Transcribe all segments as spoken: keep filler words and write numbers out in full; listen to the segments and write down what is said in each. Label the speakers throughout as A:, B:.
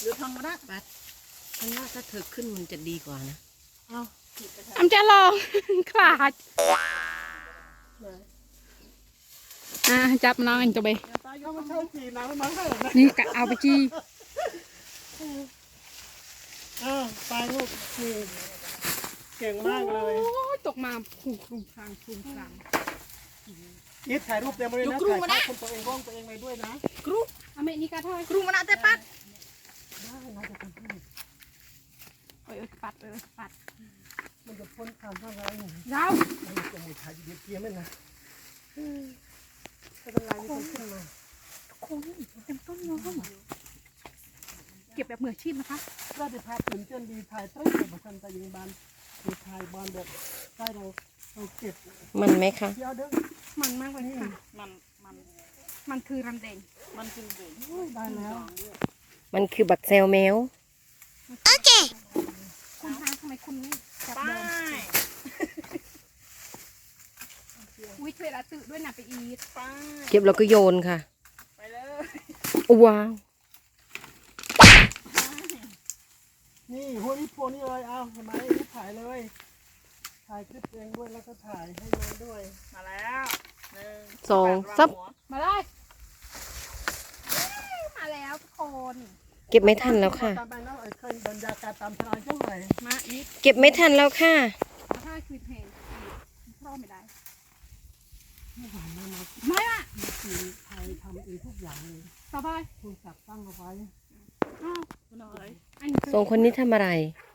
A: หรือทองมาได้
B: ปัดฉันว่าถ้าเธอขึ้นมันจะดีกว่านะ
A: เอา
C: อำจะลองขลาดอ่ะจับน้องอันจะไป
A: ถ้ามันเข้าจีน้ำมันเท่าไหร่
C: นี่กะเอาไปจี
A: อ้าวตายลูกนี่เก่งมากเลย
C: โอ้ยตกมาพุ่งคลุมพลังคลุมพลัง
A: อีทถ่ายรูปเต็มเลยนะถ่ายภาพคนตัวเองกล้องตัวเองไปด้วยนะ
C: กรุ๊ปอเมริกาเท่าไหร่
B: ครูมานาเตปัด
A: ได้นะจะทำให้
C: โอ้ยปัดเออปัด
A: มันจะพ้นความเท่าไรหนึ่ง
C: เรา
A: มันจะมีถ่ายเดียวเพี้ยไม่นะถ้าเป็นไรนี่มันขึ้นมา
C: โค้งเต็มต้นเลยเก็บแบบมืออาชีพนะคะ
A: ก็จะพาตื่นเต้นดีถ่ายต้นเก็บมาทันแต่ยิงบานมีถ่ายบอลแบบใต้เราเราเก็บ
B: มันไหมคะ
A: เที่ยวเด้อ
C: มันมากเลยค่ะ
A: มันมัน
C: มันคือรำแดง
A: มันคือเด็กได้แล้ว
B: มันคือบักเซลแมวโอเค
C: คุณคะทำไมคุณไม่จับ
A: ไป
C: เดินอุ้ยช่วยละตื่นด้วยนะไปอีท
A: ไป
B: เก็บแล้วก็โยนค่ะ
A: ไปเลย
B: ว้าว
A: นี่หัวนี่โพนี่เลยเอาเห็นไหมนี่ถ่ายเลยถ่ายคลิปเองด้วยแล้วก็ถ่ายให้น้องด้วยมาแล้วหนึ่ง
B: สองซับ
C: มาเลยมาแล้วทุกคน
B: เก็บไม่ทันแล้วค่ะ
A: ตามไปแล้วเคยบรรยากาศตามทางจังเลย
C: มาอีท
B: เก็บไม่ทันแล้วค่ะ
C: ถ้าคือเพลงพร้อมไม่ได้
A: ไม่หวานมากนะ
C: ไม่อะ
A: คือไทยทำเองทุกอย่างเลย
C: สบาย
A: คุณจับตั้งเอาไว้
C: อ้าวหน่อยอันนี้
B: สองคนนี้ทำอะไร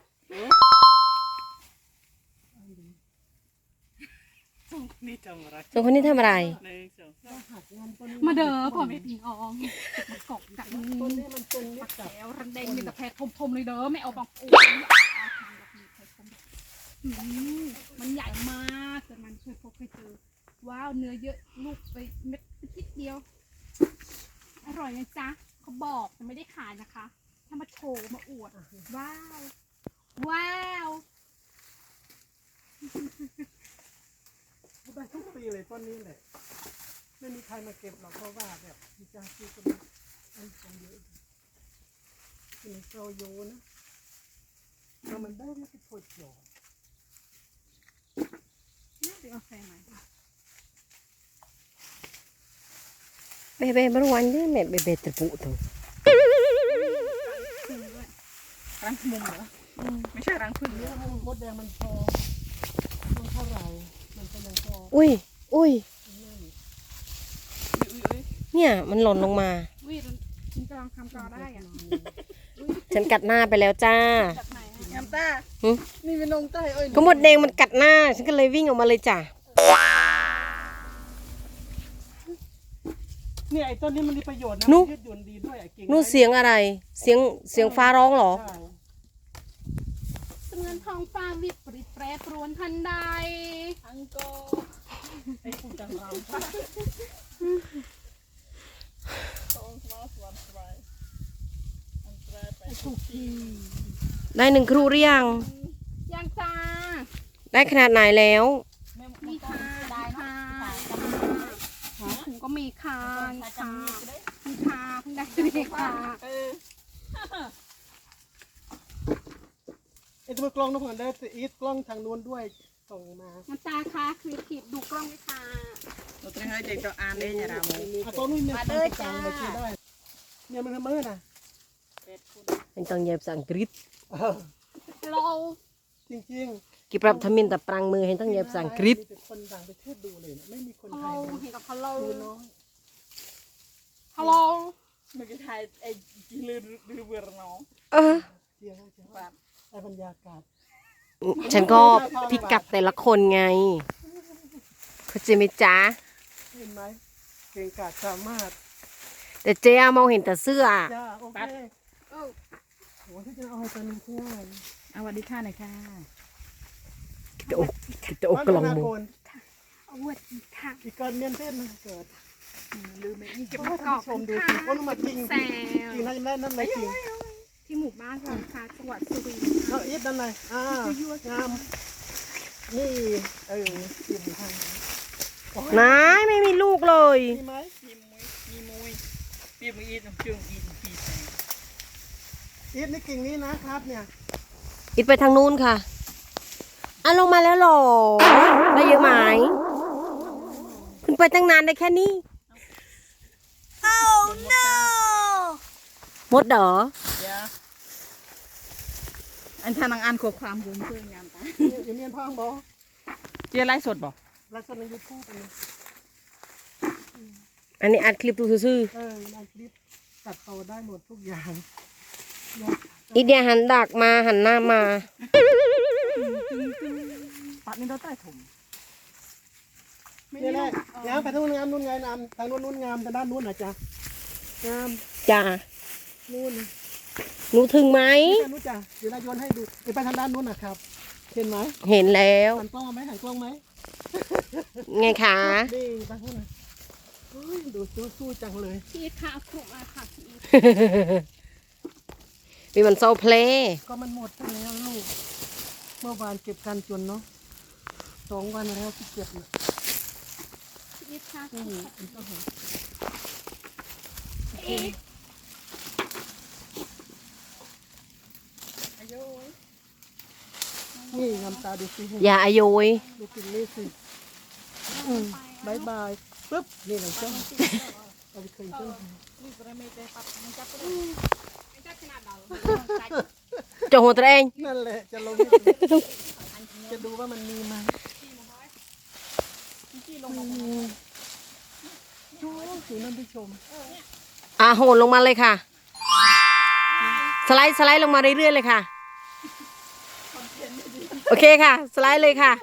A: นี่จังอะไร
B: สองคนนี้ทำอะไร
A: หนึ่งสองสามหักงานต้น
C: มาเด้อพ่อแม่พิงอองมากอกกัน
A: ต้นนี้มันเป็นนิดจับ
C: แล้วรันแดงมีแต่แพรทมๆเลยเด้อไม่เอาบางโอ้ยมันใหญ่มากแต่มันเคยพบเคยเจอว้าวเนื้อเยอะลูกไปเม็ดนิดเดียวอร่อยนะจ๊ะเขาบอกแต่ไม่ได้ขายนะคะถ้ามาโชว์มาอวดว้าวว้าว
A: ได้ทุกปีเลยต้นนี้แหละไม่มีใครมาเก็บหรอกเพราะว่าแบบมีจ้าซื้อกันอันของเยอะเป็นโซโยนะแล้วมันได้ไม่ติดโผล่หยอ
C: น่าจะเอาแฟนไหม
B: เบเบ้บรวันเด้แม่เบเบ้ตะปุตัว
A: รังมุมเหรอไม่ใช่รังพึ่งเนี่ยมดแดงมันพอมันเท่าไหร่มันก็ยังพอ
B: อุ้ยอุ้ย
A: นั่น
B: เนี่ยมันหล่นลงมา
C: วิมันกำลังทำต่อได้อ่ะ
B: ฉันกัดหน้าไปแล้วจ้า
C: จากไหน
A: แอมต้า
B: หึ
A: นี่เป็นนงใต้เอ้ย
B: ก็หมดแดงมันกัดหน้า ฉันก็เลยวิ่งออกมาเลยจ้ะ
A: เนี่ยไอ้ต้นนี้มันมีประโยชน์นะ
B: นุ๊
A: ยืดหยุ่นดีด้วยไอ้กิ่ง
B: นู่นเสียงอะไร เสียงเสียงฟ้าร้องเหรอ
A: ใช่
C: เสมือนทองฟ้าวิปริตแปรปรวนทันใด
A: อังโกไอ้ผู้จังเราถูกที
B: ได้หนึ่งครูหรือยัง
C: ยังจ้า
B: ได้ขนาดไหนแล้ว
C: มีค่ะได้ค่ะถุงก็มีค่ะค่ะมีค่ะเพิ่งได้มีค่ะ
A: ไอ้ตัวกล้องน้ำผึ้งได้อีทกล้องทางนู้นด้วยส่งมา
C: มันตาค่ะคือขีดดูกล้องด้วยค่ะ
D: เราต้องให้เด็กตัวอ่านได้ยังไงเรา
A: อ่ะต้นนู้นเนี่ยต้นกลางมาชี้ได้เนี่ยมันทำมือน่ะ
B: เป็นต้องเย็บสังกฤษ
A: เออ
C: เรา
A: จริง
B: กิปรับทมินแต่ปรังมือให้ต้อง
A: ๆ
B: เย็บสังกฤษ
A: มีแต่คนต่างประเทศดูเลยนะไม่มีคนไท
C: เรา
A: ยดู
C: เห็นกับฮัลโหล
A: ดูน้อย
C: ฮัลโหล
D: เมื่อกี้ไทยไอ้จีลือลือเวอร์น้อง
B: เออ
A: เที่ยวเที่ยวได้บรรยากาศ
B: ฉันก็พิกัดแต่ละคนไงเข้าใจไหมจ๊ะ
A: เห็นไหมเก่งกาจสามารถ
B: แต่เจ๊อะมองเห็นแต่เสื้อ
A: จ้าโอเคโอ้โหที่จะเอาให้ตัวนึงง่าย
D: เอาวันดีค่ะหน่อยค่ะ
B: กิตอกกิตอกกลองมือ
C: เอาวัดอีกค่ะ
A: อีกเกินเมียนเต้นนะเกิด
D: ลืมไม่อีก
C: เก็บ
A: ให้
C: ประก
A: ท่า
C: อน บ
A: ผู้ชมดู
C: ค่ะ
A: สิว่ามันมาจริง
C: แซ
A: จริง
C: ว
A: นะยังได้นั่นเลยจริง
C: ที่หมู่บ้านเราค่ะจังหวัดสุรินทร์
A: เอาอีทนั่นเลยอ่างามนี่เออเตรียมทาง
B: นายไม่มีลูกเลย
A: มีไหม
D: มีมุ้ยมีมุ้ยปีมืออีน้ำจึงอีปีแสง
A: อีทนี่กิ่งนี้นะครับเนี่ย
B: อิดไปทางนู้นค่ะอ่ะลงมาแล้วเหรอได้เยอะไหมคุณไปตั้งนานได้แค่นี้
D: oh no
B: หมดเหรอ
D: อย่าอันทานังอันขวบความบุญเพื่อนงานตา
A: อยู่เมียนพังบอ
D: เจียไล่สดบ่
A: ไลฟ์สดในยูทูบเลย
B: อันนี้อัดคลิปดูซื่อ
A: เออในคลิปตัดต่อได้หมดทุกอย่าง
B: ๆอีเดียหันดักมาหันหน้ามา
D: ปัดนี่เราใต้ถุน
A: นี่แหละงามไปทางนู้นงามนู้นไงงามทางนู้นนู้นงามทางด้านนู้นนะจ๊ะงาม
B: จ้า
A: นู้น
B: หนูถึงไหม
A: ทางนู้นจ้ะเดี๋ยวเราโยนให้ดูเดี๋ยวไปทางด้านนู้นนะครับเห็นไหม
B: เห็นแล้ว
A: หันกล้องไหมหันกล้องไหม
B: ไงคะ
A: ดีไปทางนู้นเฮ้ยดูสู้สู้จังเลย
C: พี่อีทค่ะเอาครุมาค่ะพี่อีท
B: มีมันโซเพลย์
A: ก็มันหมดไปแล้วลูกเมื่อวานเก็บกันจนเนาะสองวันแล้วที่เก็บนะ
C: พี่อีทค่ะ
A: อืมอันก็เห็น
C: พี่อีท
D: อายุ
A: นี่งามตาดูสิ
B: อย่าอายุย
A: ดูกินนี่สิอืมบายบายปึ๊บนี่หลังจ้องเอาไปคืนจ้อง
D: นี่ประเมตปัดมันจับไป
C: ไม่ได้ขนาดเรา
B: เจะหัวตัวเอง
A: นั่นแหละจะลงจะดูว่ามันมีไหม
D: ที่ลงมา
A: อืมดูสินั่นผู้ชม
B: อ่ะโหนลงมาเลยค่ะ สไลด์สไลด์ลงมาเรื่อยๆเลยค่ะ โอเคค่ะ สไลด์เลยค่ะ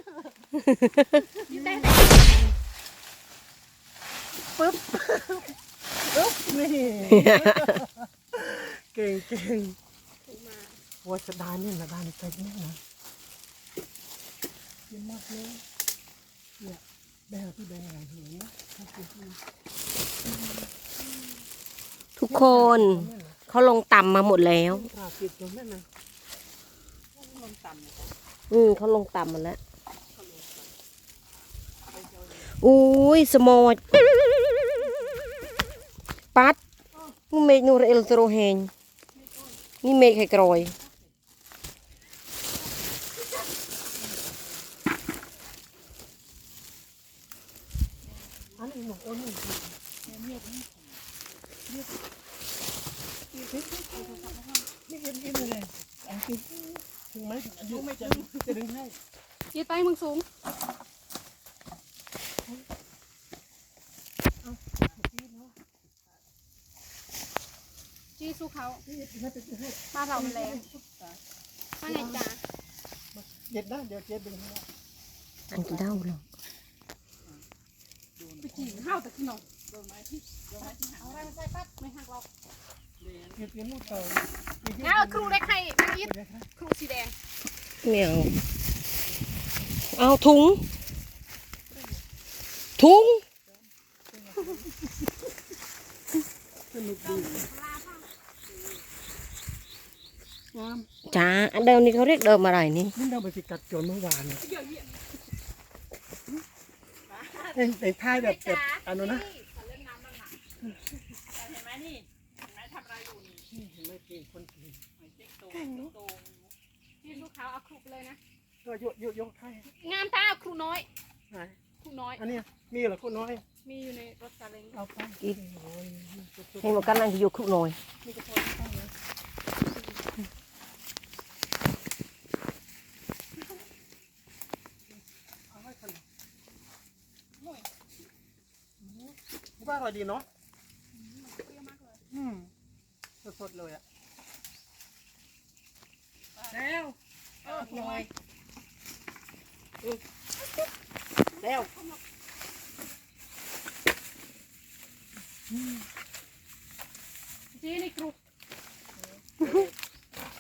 A: ปึ๊บปึ๊บนี่เก่งเก่งว่าจะได้เนี่ยนะได้ในใจเนี่ยนะเยี่ยมมากเลยเนี่ยแบงที่แบงไงเหนนะ
B: ทุกคนเขาลงต่ำมาหมดแล้ว
A: กราบติดตรงนั้นนะ
D: ลงต่ำนะ
B: อืมเขาลงต่ำหมดแล้ว อุ้ยสมอดปัดมึงเมกนูรเอลโตรเฮงนี่เมกไข่กรอย
A: อันนี้หนูโอ้ยนี่นี่เอ็มเอ็มเลยอันนี้ถึงไหมถึงไม่จะจะดึงให้
C: อีทไปมึงสูงจี้สู้เขาบ้านเรามันแรงว่าไงจ๊ะ
A: เด็ดได้เดี๋ยวเจ๊ดึงให้
B: อันกี่เด้าหรอ
C: ไปจีข้าวแต่ขนมเอาอะไรมาใส่ปั๊บไม่หักหรอก
A: เด็ดเลี้ยงลูกเต่า
C: เอาครูได้ใครนางอีทครูสีแดง
B: เหมียวเอาถุง ถุง
A: สนุกดีงาม
B: จ้าอันเดิมนี่เขาเรียกเดิมอะไรนี่
A: นี่เราไปสิกัดโจนเมื่อวานเอ็งแต่ท้ายแบบแบบอันนู้นนะ
D: เห็นไหมนี่เห็นไหมทำอะไรอยู่นี่
A: เห็นไหมเก่งคนเก่ง
D: ติ๊กโตติ๊กโต
C: จี้สู้เขาเอาครูไปเลยนะ
A: ก็ยกยกยกให้
C: งามตาเอาครูน้อย
A: ไหน
C: ครูน้อย
A: อันนี้มีเหรอคนน้อย
C: มีอยู่ในรถซาเล้ง
A: เอาไปโอ้ย
B: ให้บอกกันนั่งอยู่ครุกหน่อย
A: มีกระโปรงข้างนะเอาให้ขนมว่าอร่อยดีเนาะ
C: เปรี้ยวมากเลย
A: อืมสดๆเลยอ่ะ
D: แล้ว
C: เออน้อย
A: แล้ว
C: จี้ในครู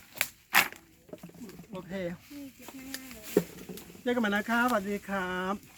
A: โอเค
C: นี่เก็บง่ายๆเลย
A: เจอกันใหม่นะครับสวัสดีครับ